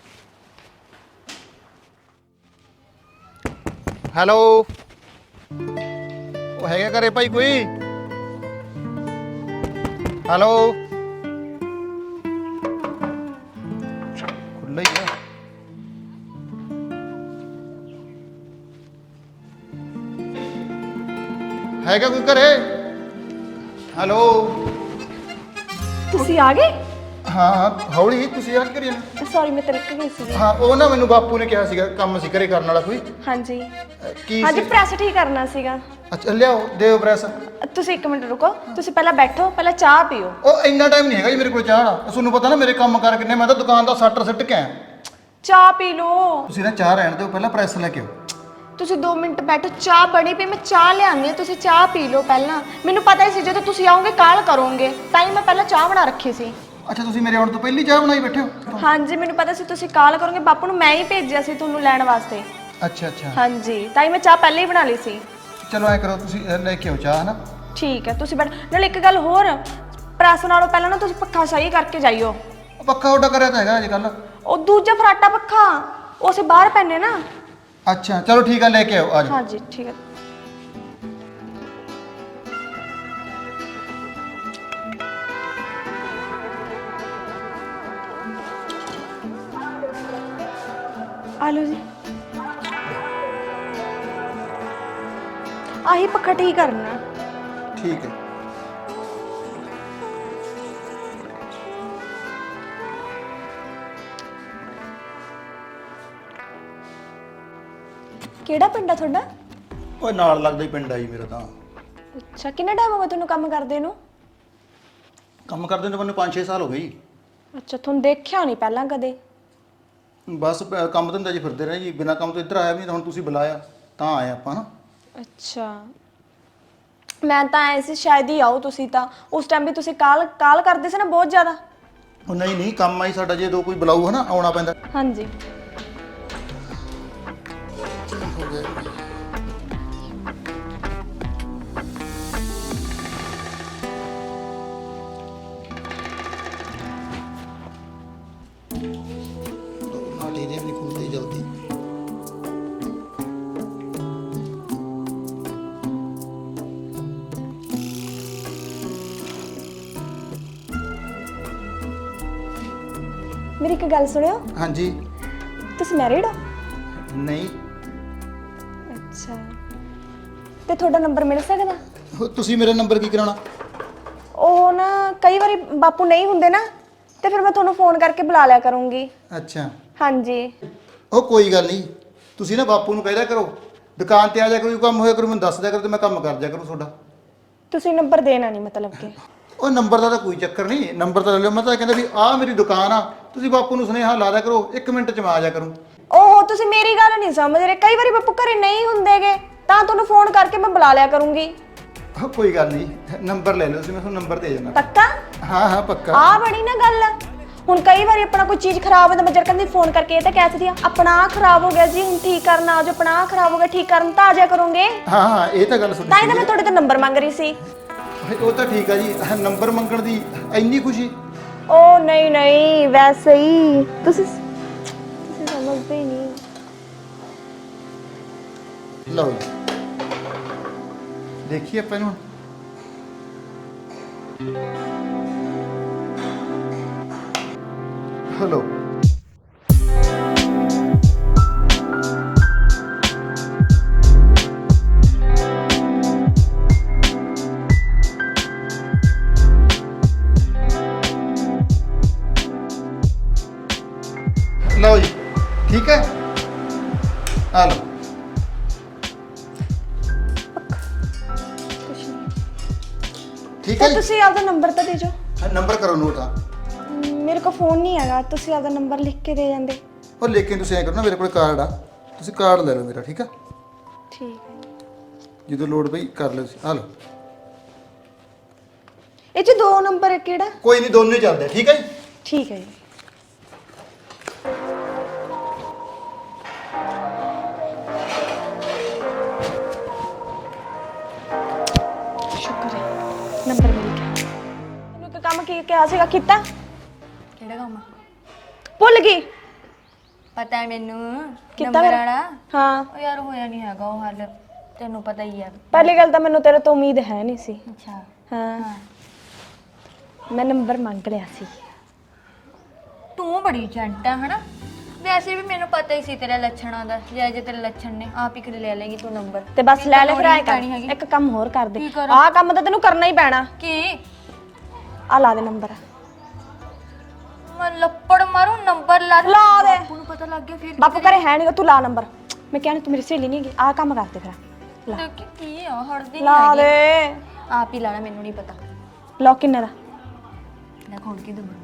ਹੈਲੋ, ਉਹ ਹੈਗਾ ਘਰੇ ਭਾਈ ਕੋਈ? ਹੈਲੋ, ਖੁੱਲ੍ਹਾ ਹੀ ਆ। ਹੈਗਾ ਕੋਈ ਘਰੇ? ਹੈਲੋ।
ਤੁਸੀਂ ਆ ਗਏ?
ਹਾਂ ਹਾਂ ਹੌਲੀ, ਤੁਸੀਂ ਆ ਕੀ ਕਰੀ ਜਾਂਦੇ?
ਸੌਰੀ ਮੈਂ ਤਿਲਕ ਗਈ ਸੀ।
ਹਾਂ ਉਹ ਨਾ ਮੈਨੂੰ ਬਾਪੂ ਨੇ ਕਿਹਾ ਸੀਗਾ ਕੰਮ ਸੀ ਘਰੇ ਕਰਨ ਵਾਲਾ ਕੋਈ।
ਹਾਂਜੀ
ਅਹ, ਕੀ
ਹਾਂਜੀ
ਸੀ?
ਪ੍ਰੈਸ ਠੀਕ ਕਰਨਾ ਸੀਗਾ।
ਅੱਛਾ ਲਿਆਓ, ਦਿਓ ਪ੍ਰੈਸ।
ਤੁਸੀਂ ਇੱਕ ਮਿੰਟ ਰੁਕੋ, ਤੁਸੀਂ ਪਹਿਲਾਂ ਬੈਠੋ, ਪਹਿਲਾਂ ਚਾਹ ਪੀਓ।
ਉਹ ਇੰਨਾ ਟਾਈਮ ਨਹੀਂ ਹੈਗਾ ਜੀ ਮੇਰੇ ਕੋਲ ਚਾਹ ਦਾ। ਤੁਹਾਨੂੰ ਪਤਾ ਨਾ ਮੇਰੇ ਕੰਮ ਕਰ ਕਿੰਨੇ, ਮੈਂ ਤਾਂ ਦੁਕਾਨ ਦਾ ਸੱਟਰ ਸਿੱਟ ਕੇ ਆਇਆ।
ਚਾਹ ਪੀ ਲਓ।
ਤੁਸੀਂ ਨਾ ਚਾਹ ਰਹਿਣ ਦਿਓ, ਪਹਿਲਾਂ ਪ੍ਰੈਸ ਲੈ ਕੇ ਆਓ।
ਤੁਸੀਂ ਦੋ ਮਿੰਟ ਬੈਠੋ, ਚਾਹ ਬਣੀ ਪਈ, ਮੈਂ ਚਾਹ ਲਿਆਉਂਦੀ ਹਾਂ, ਤੁਸੀਂ ਚਾਹ ਪੀ ਲਓ ਪਹਿਲਾਂ। ਮੈਨੂੰ ਪਤਾ ਹੀ ਸੀ ਜਦੋਂ ਤੁਸੀਂ ਆਓਗੇ ਕਾਲ ਕਰੋਗੇ, ਤਾਂ ਹੀ ਮੈਂ ਪਹਿਲਾਂ ਚਾਹ ਬਣਾ ਰੱਖੀ ਸੀ।
ਅੱਛਾ ਤੁਸੀਂ ਮੇਰੇ ਆਉਣ ਤੋਂ ਪਹਿਲੀ ਚਾਹ ਬਣਾਈ ਬੈਠੇ ਹੋ?
ਹਾਂਜੀ ਮੈਨੂੰ ਪਤਾ ਸੀ ਤੁਸੀਂ ਕਾਲ ਕਰੋਗੇ, ਬਾਪੂ ਨੂੰ ਮੈਂ ਹੀ ਭੇਜਿਆ ਸੀ ਤੁਹਾਨੂੰ ਲੈਣ ਵਾਸਤੇ।
ਅੱਛਾ ਅੱਛਾ
ਹਾਂਜੀ ਤਾਂ ਹੀ ਮੈਂ ਚਾਹ ਪਹਿਲਾਂ ਹੀ ਬਣਾ ਲਈ ਸੀ।
ਚਲੋ ਐ ਕਰੋ, ਤੁਸੀਂ ਅਹ, ਲੈ ਕੇ ਆਓ ਚਾਹ, ਹਨਾ?
ਠੀਕ ਹੈ ਤੁਸੀਂ ਬੈਠ। ਨਾਲ ਇੱਕ ਗੱਲ ਹੋਰ, ਪ੍ਰੈਸ ਨਾਲੋਂ ਪਹਿਲਾਂ ਨਾ ਤੁਸੀਂ ਪੱਖਾ ਸਹੀ ਕਰਕੇ ਜਾਈਓ।
ਉਹ ਪੱਖਾ ਉੱਡਾ ਕਰਿਆ ਤਾਂ ਹੈਗਾ ਅੱਜ ਕੱਲ।
ਉਹ ਦੂਜਾ ਫਰਾਟਾ ਪੱਖਾ, ਉਹ ਅਸੀਂ ਬਾਹਰ ਪੈਨੇ ਨਾ।
ਅੱਛਾ ਚਲੋ ਠੀਕ ਆ, ਲੈ ਕੇ ਆਓ ਅੱਜ।
ਹਾਂਜੀ ਠੀਕ ਹੈ। ਆਲੂ ਜੀ, ਆਹੀ ਪੱਖਾ ਠੀਕ ਕਰਨਾ।
ਠੀਕ ਹੈ।
ਕਿਹੜਾ ਪਿੰਡ ਆ ਤੁਹਾਡਾ?
ਓਏ ਨਾਲ ਲੱਗਦਾ ਹੀ ਪਿੰਡ ਆ ਜੀ ਮੇਰਾ ਤਾਂ।
ਅੱਛਾ ਕਿੰਨਾ ਟਾਈਮ ਹੋ ਗਿਆ ਤੁਹਾਨੂੰ ਕੰਮ ਕਰਦੇ ਨੂੰ?
ਕੰਮ ਕਰਦੇ ਨੂੰ ਮੈਨੂੰ ਪੰਜ ਛੇ ਸਾਲ ਹੋ ਗਏ ਜੀ।
ਅੱਛਾ ਤੁਹਾਨੂੰ ਦੇਖਿਆ ਨਹੀਂ ਪਹਿਲਾਂ ਕਦੇ?
ਬਸ ਪ- ਕੰਮ ਧੰਦਾ ਜੀ ਫਿਰਦੇ ਰਹੇ ਜੀ, ਬਿਨਾਂ ਕੰਮ ਤੋਂ ਇੱਧਰ ਆਇਆ ਵੀ ਨਹੀਂ, ਤਾਂ ਹੁਣ ਤੁਸੀਂ ਬੁਲਾਇਆ ਤਾਂ ਆਏ ਆਪਾਂ ਨਾ।
ਅੱਛਾ ਮੈਂ ਤਾਂ ਐ ਸੀ ਸ਼ਾਇਦ ਹੀ ਆਓ ਤੁਸੀਂ, ਤਾਂ ਉਸ ਟਾਈਮ ਵੀ ਤੁਸੀਂ ਕਾਲ ਕਾਲ ਕਰਦੇ ਸੀ ਨਾ ਬਹੁਤ ਜ਼ਿਆਦਾ।
ਉਹ ਨਹੀਂ ਨਹੀਂ, ਕੰਮ ਆਈ ਸਾਡਾ, ਜੇ ਦੋ ਕੋਈ ਬੁਲਾਊ ਹਨਾ ਆਉਣਾ ਪੈਂਦਾ।
ਹਾਂਜੀ
ਨਾਲੇ ਦੇ ਵੀ ਖੁੱਲਦੇ ਜਲਦੀ।
ਮੇਰੀ ਇੱਕ ਗੱਲ ਸੁਣਿਓ,
ਹਾਂਜੀ।
ਤੁਸੀਂ ਮੈਰਿਡ ਹੋ?
ਨਹੀਂ
ਅੱਛਾ ਤੇ ਤੁਹਾਡਾ ਨੰਬਰ ਮਿਲ ਸਕਦਾ?
ਉਹ ਤੁਸੀਂ ਮੇਰਾ ਨੰਬਰ ਕੀ ਕਰਾਉਣਾ?
ਉਹ ਨਾ ਕਈ ਵਾਰੀ ਬਾਪੂ ਨਹੀਂ ਹੁੰਦੇ ਨਾ ਤੇ ਫਿਰ ਮੈਂ ਤੁਹਾਨੂੰ ਫੋਨ ਕਰਕੇ ਬੁਲਾ ਲਿਆ ਕਰੂੰਗੀ।
ਅੱਛਾ
ਹਾਂਜੀ
ਉਹ ਕੋਈ ਗੱਲ ਨਹੀਂ, ਤੁਸੀਂ ਨਾ ਬਾਪੂ ਨੂੰ ਕਹਿ ਦਿਆ ਕਰੋ ਦੁਕਾਨ ਤੇ ਆ ਜਾ ਕਰੂ, ਕੰਮ ਹੋਇਆ ਕਰੂ ਮੈਨੂੰ ਦੱਸ ਦਿਆ ਕਰੋ ਤੇ ਮੈਂ ਕੰਮ ਕਰ ਦਿਆ ਕਰੂੰ ਤੁਹਾਡਾ।
ਤੁਸੀਂ ਨੰਬਰ ਦੇਣਾ ਨਹੀਂ ਮਤਲਬ ਕਿ?
ਉਹ ਨੰਬਰ ਦਾ ਤਾਂ ਕੋਈ ਚੱਕਰ ਨਹੀਂ, ਨੰਬਰ ਤਾਂ ਲੈ ਲਿਓ। ਮੈਂ ਤਾਂ ਕਹਿੰਦਾ ਵੀ ਆਹ ਮੇਰੀ ਦੁਕਾਨ ਆ, ਤੁਸੀਂ ਬਾਪੂ ਨੂੰ ਸੁਨੇਹਾ ਲਾ ਦਿਆ ਕਰੋ, ਇੱਕ ਮਿੰਟ ਚ ਮੈਂ ਆ ਜਾ ਕਰੂੰ।
ਓਹੋ ਤੁਸੀਂ ਮੇਰੀ ਗੱਲ ਨਹੀਂ ਸਮਝ ਰਹੇ, ਕਈ ਵਾਰੀ ਬਾਪੂ ਘਰੇ ਨਹੀਂ ਹੁੰਦੇਗੇ ਤਾਂ ਤੁਹਾਨੂੰ ਫੋਨ ਕਰਕੇ ਮੈਂ ਬੁਲਾ ਲਿਆ ਕਰੂੰਗੀ।
ਉਹ ਕੋਈ ਗੱਲ ਨਹੀਂ, ਨੰਬਰ ਲੈ ਲਓ ਤੁਸੀਂ, ਮੈਂ ਤੁਹਾਨੂੰ ਨੰਬਰ ਦੇ ਜਾਣਾ।
ਪੱਕਾ?
ਹਾਂ ਹਾਂ ਪੱਕਾ।
ਆ ਬਣੀ ਨਾ ਗੱਲ। ਹੁਣ ਕਈ ਵਾਰੀ ਆਪਣਾ ਕੋਈ ਚੀਜ਼ ਖਰਾਬ ਹੋ ਤਾਂ ਮੈਂ ਜਰ ਕਹਿੰਦੀ ਫੋਨ ਕਰਕੇ ਇਹ ਤਾਂ ਕਹਿ ਸਕਦੀ ਆ ਆਪਣਾ ਆਹ ਖਰਾਬ ਹੋ ਗਿਆ ਜੀ ਹੁਣ ਠੀਕ ਕਰਨ ਆ ਜਾਓ, ਆਪਣਾ ਆਹ ਖਰਾਬ ਹੋ ਗਿਆ ਠੀਕ ਕਰਨ ਤਾਂ ਆ ਜਾਇਆ ਕਰੋਗੇ।
ਹਾਂ ਹਾਂ ਇਹ ਤਾਂ ਗੱਲ ਸੁਣੀ।
ਤਾਂ ਹੀ ਤਾਂ ਮੈਂ ਤੁਹਾਡੇ ਤੋਂ ਨੰਬਰ ਮੰਗ ਰਹੀ ਸੀ।
ਉਹ ਤਾਂ ਠੀਕ ਆ ਜੀ, ਨੰਬਰ ਮੰਗਣ ਦੀ ਇੰਨੀ ਖੁਸ਼ੀ?
ਓ ਨਹੀਂ ਨਹੀਂ ਵੈਸੇ ਹੀ ਤੁਸੀਂ ਤੁਸੀਂ ਸਮਝਦੇ ਹੀ ਨਹੀਂ।
ਲਓ ਜੀ ਦੇਖੀਏ ਆਪਾਂ ਇਹਨੂੰ। ਹਲੋ ਲਓ ਜੀ ਠੀਕ ਹੈ, ਆ ਲਓ। ਠੀਕ ਹੈ
ਤਾਂ
ਜੀ,
ਤੁਸੀਂ ਆਪਦਾ ਨੰਬਰ ਤਾਂ ਦੇ ਦਿਓ।
ਨੰਬਰ ਕਰੋ ਨੋਟ ਆ।
ਮੇਰੇ ਕੋਲ ਫੋਨ ਨਹੀਂ ਹੈਗਾ, ਤੁਸੀਂ ਆਪਦਾ ਨੰਬਰ ਲਿਖ ਕੇ ਦੇ ਜਾਂਦੇ।
ਉਹ ਲੇਕਿਨ ਤੁਸੀਂ ਐਂ ਕਰੋ ਨਾ, ਮੇਰੇ ਕੋਲ ਕਾਰਡ ਆ, ਤੁਸੀਂ ਕਾਰਡ ਲੈ ਲਓ ਮੇਰਾ, ਠੀਕ ਆ?
ਠੀਕ ਹੈ।
ਜਦੋਂ ਲੋੜ ਪਈ ਕਰ ਲਿਓ ਤੁਸੀਂ, ਆ ਲਓ।
ਇਹ ਚ ਦੋ ਨੰਬਰ ਹੈ ਕਿਹੜਾ?
ਕੋਈ ਨਹੀਂ, ਦੋਨੇ ਚੱਲਦੇ, ਠੀਕ ਹੈ ਜੀ?
ਠੀਕ ਹੈ ਜੀ। ਸ਼ੁਕਰ ਹੈ ਨੰਬਰ ਮਿਲ ਗਿਆ। ਤੈਨੂੰ ਇੱਕ ਕੰਮ ਕੀ ਕਿਹਾ ਸੀਗਾ ਕੀਤਾ?
ਕਿਹੜਾ ਕੰਮ?
ਭੁੱਲ ਗਈ।
ਪਤਾ ਹੈ ਮੈਨੂੰ
ਕੀਤਾ
ਨੰਬਰ
ਫਿਰ?
ਵਾਲਾ।
ਹਾਂ
ਉਹ ਯਾਰ ਹੋਇਆ ਨਹੀਂ ਹੈਗਾ ਉਹ ਹੱਲ, ਤੈਨੂੰ ਪਤਾ ਹੀ ਆ।
ਪਹਿਲੀ ਗੱਲ ਤਾਂ ਮੈਨੂੰ ਤੇਰੇ ਤੋਂ ਉਮੀਦ ਹੈ ਨਹੀਂ ਸੀ।
ਅੱਛਾ
ਹਾਂ
ਹਾਂ,
ਮੈਂ ਨੰਬਰ ਮੰਗ ਲਿਆ ਸੀ।
ਤੂੰ ਬੜੀ ਜੰਟ ਆ ਹਨਾ। ਵੈਸੇ ਵੀ ਮੈਨੂੰ ਪਤਾ ਹੀ ਸੀ ਤੇਰੇ ਲੱਛਣਾਂ ਦਾ, ਜੇ ਜੇ ਤੇਰੇ ਲੱਛਣ ਨੇ ਆਪ ਹੀ ਕਰ ਲੈ ਲੇਗੀ ਤੂੰ ਨੰਬਰ।
ਤੇ ਬਸ ਲੈ ਲੈ ਫਿਰ ਆਏ ਕਰ।
ਪੈਣੀ ਹੈਗੀ।
ਇੱਕ ਕੰਮ ਹੋਰ ਕਰ ਦੇ,
ਕੀ ਕਰਾਂ?
ਆਹ ਕੰਮ ਤਾਂ ਤੈਨੂੰ ਕਰਨਾ ਹੀ ਪੈਣਾ।
ਕੀ?
ਆ ਲਾ ਦੇ ਨੰਬਰ।
ਮੈਂ ਲੱਪੜ ਮਾਰੂ ਨੰਬਰ ਲਾ ਦੇ।
ਲਾ ਦੇ।
ਬਾਪੂ ਨੂੰ ਪਤਾ ਲੱਗ ਗਿਆ ਫਿਰ ਕੀ
ਬਾਪੂ ਘਰੇ ਹੈ ਨਹੀਂ, ਤੂੰ ਲਾ ਨੰਬਰ। ਮੈਂ ਕਹਿਣੀ ਤੂੰ ਮੇਰੀ ਸਹੇਲੀ ਨਹੀਂ ਹੈਗੀ, ਆਹ ਕੰਮ ਕਰ ਦੇ ਫਿਰ। ਲਾ
ਕਰੇ? ਕੀ ਕੀ ਆ ਹੜਦੀ
ਲਾ
ਨਹੀਂ
ਦੇ।
ਹੈਗੀ। ਆਪ ਹੀ ਲਾਣਾ, ਮੈਨੂੰ ਨਹੀਂ ਪਤਾ।
ਲੌਕ ਕਿੰਨੇ ਦਾ?
ਲੈ ਖੋਲ ਕੇ ਦੂੰ।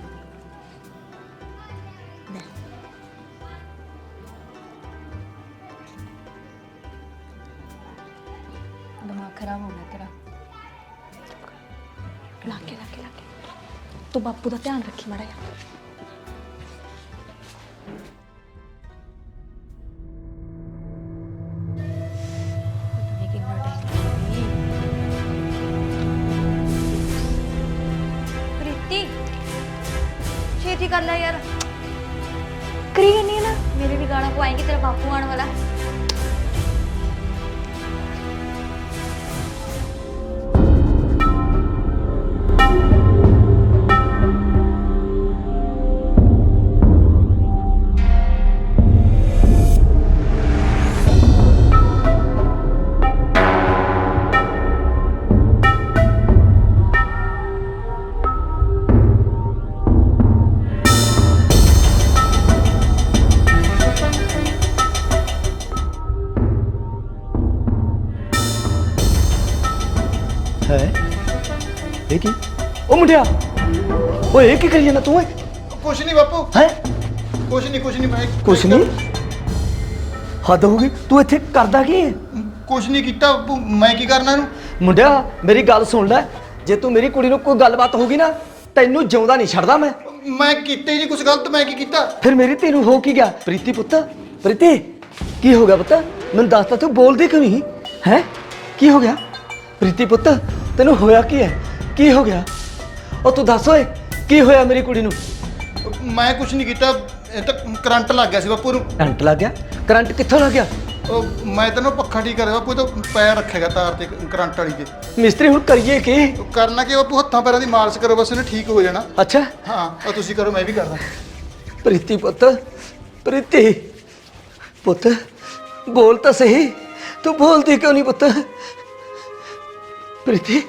ਦਿਮਾਗ ਖਰਾਬ ਹੋ ਗਿਆ ਤੇਰਾ।
ਲਾ ਕੇ ਲਾ ਕੇ ਲਾ ਕੇ ਤੂੰ ਬਾਪੂ ਦਾ ਧਿਆਨ ਰੱਖੀ ਮਾੜਾ ਜਿਹਾ।
ਪਤਾ ਨਹੀਂ ਕਿੰਨਾ ਟਾਈਮ। ਪ੍ਰੀਤੀ ਛੇਤੀ ਕਰ ਲੈ ਯਾਰ,
ਕਰੀ ਨਹੀਂ ਹੈ ਨਾ।
ਮੇਰੇ ਵੀ ਗਾਣਾ ਪਵਾਏਂਗੀ, ਤੇਰਾ ਬਾਪੂ ਆਉਣ ਵਾਲਾ।
ਹੈ ਇਹ ਕੀ? ਉਹ ਮੁੰਡਿਆ, ਓਏ ਇਹ ਕੀ ਕਰੀ ਜਾਂਦਾ ਤੂੰ? ਓਏ
ਕੁਛ ਨਹੀਂ ਬਾਪੂ,
ਹੈ
ਕੁਛ ਨਹੀਂ ਕੁਛ ਨਹੀਂ ਮੈਂ
ਕੁਛ ਨਹੀਂ, ਹੱਦ ਹੋ ਗਈ। ਤੂੰ ਇੱਥੇ ਕਰਦਾ ਕੀ ਹੈ?
ਕੁਛ ਨਹੀਂ ਕੀਤਾ ਬਾਪੂ, ਮੈਂ ਕੀ ਕਰਨਾ ਇਹਨੂੰ?
ਮੁੰਡਿਆ ਮੇਰੀ ਗੱਲ ਸੁਣ ਲੈ, ਜੇ ਤੂੰ ਮੇਰੀ ਕੁੜੀ ਨੂੰ ਕੋਈ ਗੱਲਬਾਤ ਹੋਗੀ ਨਾ, ਤੈਨੂੰ ਜਿਉਂਦਾ ਨਹੀਂ ਛੱਡਦਾ ਮੈਂ।
ਮੈਂ ਕੀਤੇ ਜੀ ਕੁਛ ਗਲਤ, ਮੈਂ ਕੀ ਕੀਤਾ?
ਫਿਰ ਮੇਰੀ ਧੀ ਨੂੰ ਹੋ ਕੀ ਗਿਆ? ਪ੍ਰੀਤੀ ਪੁੱਤ, ਪ੍ਰੀਤੀ ਕੀ ਹੋ ਗਿਆ ਪੁੱਤ? ਮੈਨੂੰ ਦੱਸ ਤਾ, ਤੂੰ ਬੋਲਦੀ ਕਿਉਂ ਨਹੀਂ ਹੈ? ਕੀ ਹੋ ਗਿਆ ਪ੍ਰੀਤੀ ਪੁੱਤ? ਤੈਨੂੰ ਹੋਇਆ ਕੀ ਹੈ? ਕੀ ਹੋ ਗਿਆ? ਉਹ ਤੂੰ ਦੱਸ ਓਏ, ਕੀ ਹੋਇਆ ਮੇਰੀ ਕੁੜੀ ਨੂੰ?
ਮੈਂ ਕੁਛ ਨਹੀਂ ਕੀਤਾ, ਇਹ ਤਾਂ ਕਰੰਟ ਲੱਗ ਗਿਆ ਸੀ ਬਾਪੂ ਨੂੰ।
ਕਰੰਟ ਲੱਗ ਗਿਆ? ਕਰੰਟ ਕਿੱਥੋਂ ਲੱਗ ਗਿਆ?
ਉਹ ਮੈਂ ਤੈਨੂੰ ਪੱਖਾ ਠੀਕ ਕਰਿਆ ਬਾਪੂ, ਤਾਂ ਪੈਰ ਰੱਖੇਗਾ ਤਾਰ ਤੇ ਕਰੰਟ ਵਾਲੀ ਤੇ।
ਮਿਸਤਰੀ ਹੁਣ ਕਰੀਏ ਕੀ?
ਉਹ ਕਰਨਾ ਕਿ ਬਾਪੂ, ਹੱਥਾਂ ਪੈਰਾਂ ਦੀ ਮਾਲਿਸ਼ ਕਰੋ ਬਸ, ਇਹਨੇ ਠੀਕ ਹੋ ਜਾਣਾ।
ਅੱਛਾ
ਹਾਂ ਉਹ ਤੁਸੀਂ ਕਰੋ, ਮੈਂ ਵੀ ਕਰਦਾ।
ਪ੍ਰੀਤੀ ਪੁੱਤ, ਪ੍ਰੀਤੀ ਪੁੱਤ ਬੋਲ ਤਾਂ ਸਹੀ, ਤੂੰ ਬੋਲਦੀ ਕਿਉਂ ਨਹੀਂ ਪੁੱਤ? ਪ੍ਰੀਤੀ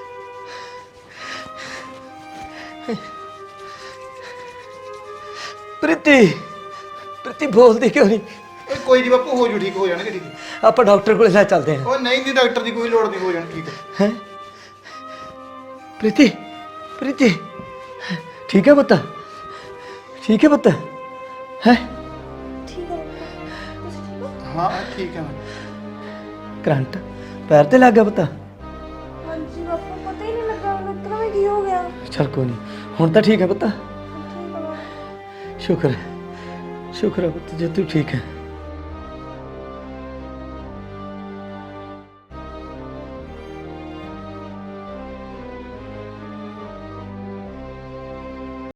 ਪ੍ਰੀਤੀ ਪ੍ਰੀਤੀ ਬੋਲਦੀ ਕਿਉਂ ਨਹੀਂ?
ਓਏ ਕੋਈ ਨਹੀਂ ਬਾਪੂ, ਹੋ ਜੂ ਠੀਕ, ਹੋ ਜਾਣਗੇ ਠੀਕ।
ਆਪਾਂ ਡਾਕਟਰ ਕੋਲੇ ਲੈ ਚੱਲਦੇ ਹਾਂ।
ਓਏ ਨਹੀਂ ਨਹੀਂ, ਡਾਕਟਰ ਦੀ ਕੋਈ ਲੋੜ ਨਹੀਂ, ਹੋ ਜਾਣ ਠੀਕ।
ਹੈ ਪ੍ਰੀਤੀ ਪ੍ਰੀਤੀ ਠੀਕ ਹੈ ਪੁੱਤ? ਠੀਕ ਹੈ ਪੁੱਤ? ਹੈ
ਠੀਕ ਹੈ ਬਾਪੂ, ਤੁਸੀਂ ਠੀਕ ਹੋ?
ਹਾਂ ਠੀਕ ਹੈ ਮੈਂ।
ਕਰੰਟ ਪੈਰ ਤੇ ਲੱਗ ਗਿਆ ਪੁੱਤ?
ਹਾਂਜੀ ਬਾਪੂ, ਪਤਾ ਹੀ ਨਹੀਂ ਲੱਗਾ ਮੈਨੂੰ ਇੱਕਦਮ ਹੀ ਕੀ ਹੋ ਗਿਆ।
ਚਲ ਕੋਈ ਨਹੀਂ, ਹੁਣ ਤਾਂ ਠੀਕ ਹੈ ਪੁੱਤ?
ਠੀਕ ਹੈ ਬਾਪੂ।
ਸ਼ੁਕਰ ਹੈ ਸ਼ੁਕਰ ਹੈ ਪੁੱਤ ਜੇ ਤੂੰ ਠੀਕ ਹੈ।